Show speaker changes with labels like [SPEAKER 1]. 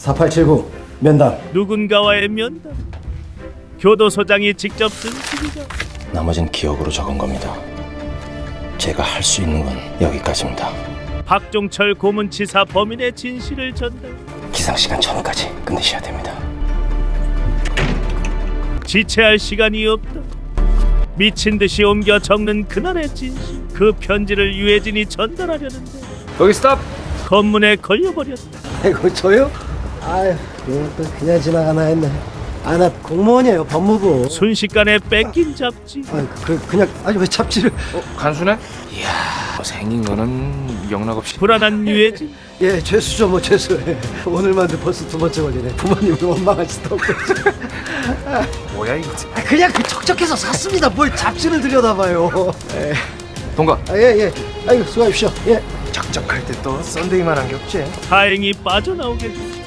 [SPEAKER 1] 4879 면담.
[SPEAKER 2] 누군가와의 면담. 교도소장이 직접 쓴 시리죠.
[SPEAKER 1] 나머진 기억으로 적은 겁니다. 제가 할 수 있는 건 여기까지입니다.
[SPEAKER 2] 박종철 고문치사 범인의 진실을 전달.
[SPEAKER 1] 기상시간 전까지 끝내셔야 됩니다.
[SPEAKER 2] 지체할 시간이 없다. 미친 듯이 옮겨 적는 그날의 진실. 그 편지를 유해진이 전달하려는데
[SPEAKER 3] 거기 스탑!
[SPEAKER 2] 검문에 걸려버렸다.
[SPEAKER 1] 아이고 저요? 아유 이것도 그냥 지나가나 했네. 아 나 공무원이에요, 법무부.
[SPEAKER 2] 순식간에 뺏긴 잡지.
[SPEAKER 1] 그냥 아니 왜 잡지를.
[SPEAKER 3] 간수네? 이야, 생긴 거는 영락없이.
[SPEAKER 2] 불안한 유해진.
[SPEAKER 1] 예, 죄수죠 뭐 죄수. 오늘만도 벌써 두 번째 걸리네. 부모님을 원망할 수도 없고.
[SPEAKER 3] 뭐야 이거?
[SPEAKER 1] 그냥 그 척척해서 샀습니다. 뭘 잡지를 들여다봐요.
[SPEAKER 3] 동가.
[SPEAKER 1] 예. 아이고 수고하십시오. 예.
[SPEAKER 3] 적적할 때 또 썬데이만 한 게 없지.
[SPEAKER 2] 다행히 빠져나오게 됐다.